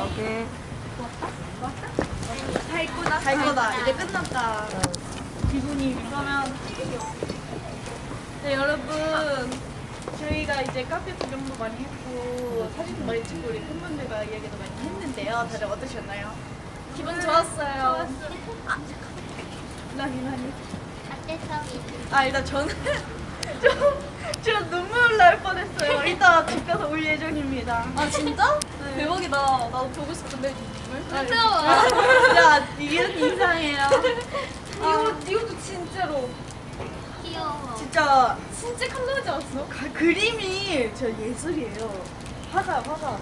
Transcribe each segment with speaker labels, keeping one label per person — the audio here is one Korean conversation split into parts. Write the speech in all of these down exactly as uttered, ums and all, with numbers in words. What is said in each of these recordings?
Speaker 1: 오케이.
Speaker 2: 다 있구나.
Speaker 3: 갈 거다. 이제 끝났다. 기분이 그러면 네 여러분 저희가 이제 카페 구경도 많이 했고 사진도 많이 찍고 우리 팬분들과 이야기도 많이 했는데요. 다들 어떠셨나요? 기분 좋았어요. 아, 나니 나니. 아 일단 저는 좀, 좀 눈물 날 뻔했어요. 이따 집 가서 올 예정입니다.
Speaker 2: 아 진짜?
Speaker 3: 네.
Speaker 2: 대박이다. 나도 보고 싶은데.
Speaker 3: 아,
Speaker 2: 태워봐.
Speaker 3: 야 이게 이상해요.
Speaker 2: 이거 이것도 진짜로
Speaker 4: 귀여워.
Speaker 3: 진짜
Speaker 2: 진짜 컬러지 않았어?
Speaker 3: 가, 그림이 저 예술이에요. 화가 화가.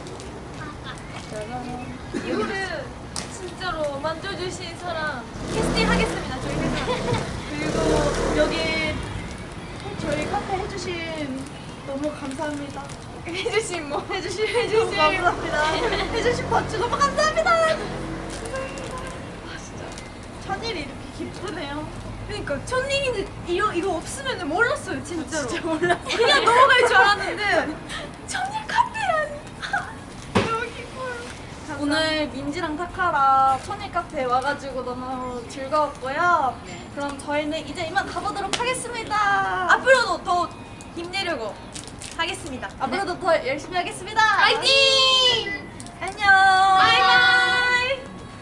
Speaker 2: 이거를 진짜로 만져주신 사람 캐스팅 하겠습니다. 저희 회사.
Speaker 3: 그리고 여기 저희 카페 해주신 너무 감사합니다.
Speaker 2: 해주신 뭐
Speaker 3: 해주신 해주신 감사합니다. 해주신 버츠 너무 감사합니다. 감사합니다. 아 진짜 천일이 이렇게 기쁘네요.
Speaker 2: 그러니까 천님인데 이거 이거 없으면 몰랐어요 진짜로.
Speaker 3: 진짜 몰랐어요.
Speaker 2: 그냥 넘어갈 줄 알았는데 천님 카페라니. 너무 기뻐요.
Speaker 3: 오늘 민지랑 타카랑 천일 카페 와가지고 너무 즐거웠고요. 그럼 저희는 이제 이만 가보도록 하겠습니다.
Speaker 2: 앞으로도 더 힘내려고 하겠습니다.
Speaker 3: 앞으로도 더 열심히 하겠습니다.
Speaker 2: 파이팅!
Speaker 3: 안녕.
Speaker 2: 바이바이.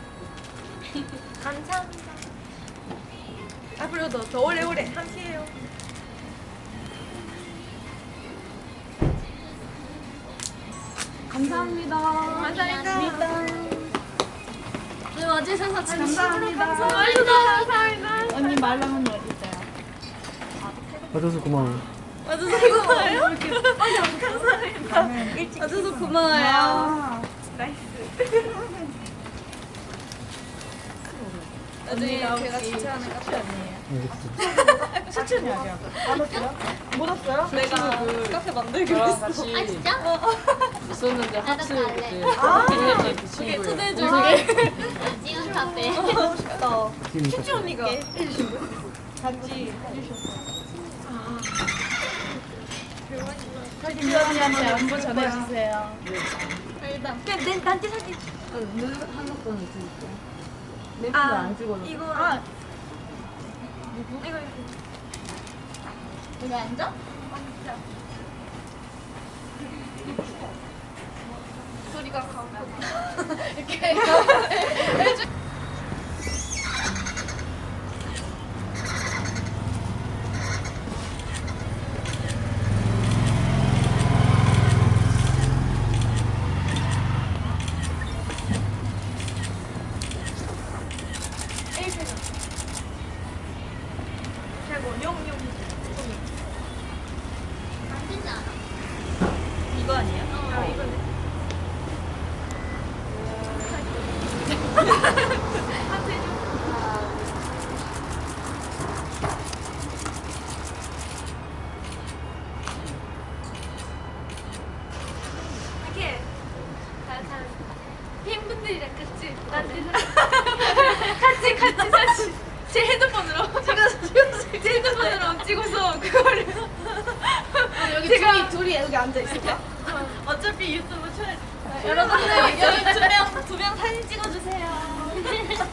Speaker 2: 감사합니다. 앞으로도 더 오래오래 함께해요.
Speaker 3: 감사합니다.
Speaker 2: 감사합니다.
Speaker 4: 네, 와주셔서 진짜
Speaker 3: 감사합니다.
Speaker 2: 감사합니다. 감사합니다.
Speaker 3: 언니 말랑언니 어디 있어요?
Speaker 1: 와줘서 고마워.
Speaker 2: 와줘서 고마워요. 감사합니다. 와줘서 고마워요.
Speaker 3: 아,
Speaker 2: 나중에
Speaker 3: 언니가
Speaker 2: 제가
Speaker 3: 혹시
Speaker 2: 추천하는 카페 아니에요?
Speaker 1: 알겠어.
Speaker 3: 추천이 아니야. 안 왔어요? 못 왔어요?
Speaker 2: 내가 카페 만들기로
Speaker 5: 저랑
Speaker 2: 했어.
Speaker 5: 같이
Speaker 4: 아 진짜?
Speaker 5: 있었는데
Speaker 4: 나도
Speaker 5: 하트
Speaker 4: 갈래.
Speaker 5: 그때
Speaker 3: 아.
Speaker 5: 했던 그
Speaker 2: 그게
Speaker 5: 친구예요.
Speaker 2: 초대해줘.
Speaker 4: 지금 카페.
Speaker 3: 하고 싶다.
Speaker 2: 춘지 언니가.
Speaker 3: 해주신 분? 같이 해주셨어요. 김지 언니한테 안부 전해주세요.
Speaker 2: 일단 그냥 내 단체 사진.
Speaker 5: 눈 한국 거는 있으니까. 멘트가
Speaker 2: 아
Speaker 5: 안 찍어서.
Speaker 2: 이거
Speaker 3: 아,
Speaker 2: 이거 이거.
Speaker 4: 여기 앉아?
Speaker 2: 소리가 가고 최고 용용
Speaker 4: 만지지 않아?
Speaker 3: 이거 아니에요?
Speaker 2: 아 이거네. 하트 해줘. 이렇게 잘잘 팬분들이랑 같이 만든 같이 같이 사진 제 핸드폰으로 제가 제 핸드폰으로 찍어서 그거를
Speaker 3: 여기
Speaker 2: 제가-
Speaker 3: 둘이, 둘이 여기 앉아있을까?
Speaker 2: 어차피 유튜브 촬영
Speaker 3: 여러분들 여기 두 명, 두 명 사진 찍어주세요.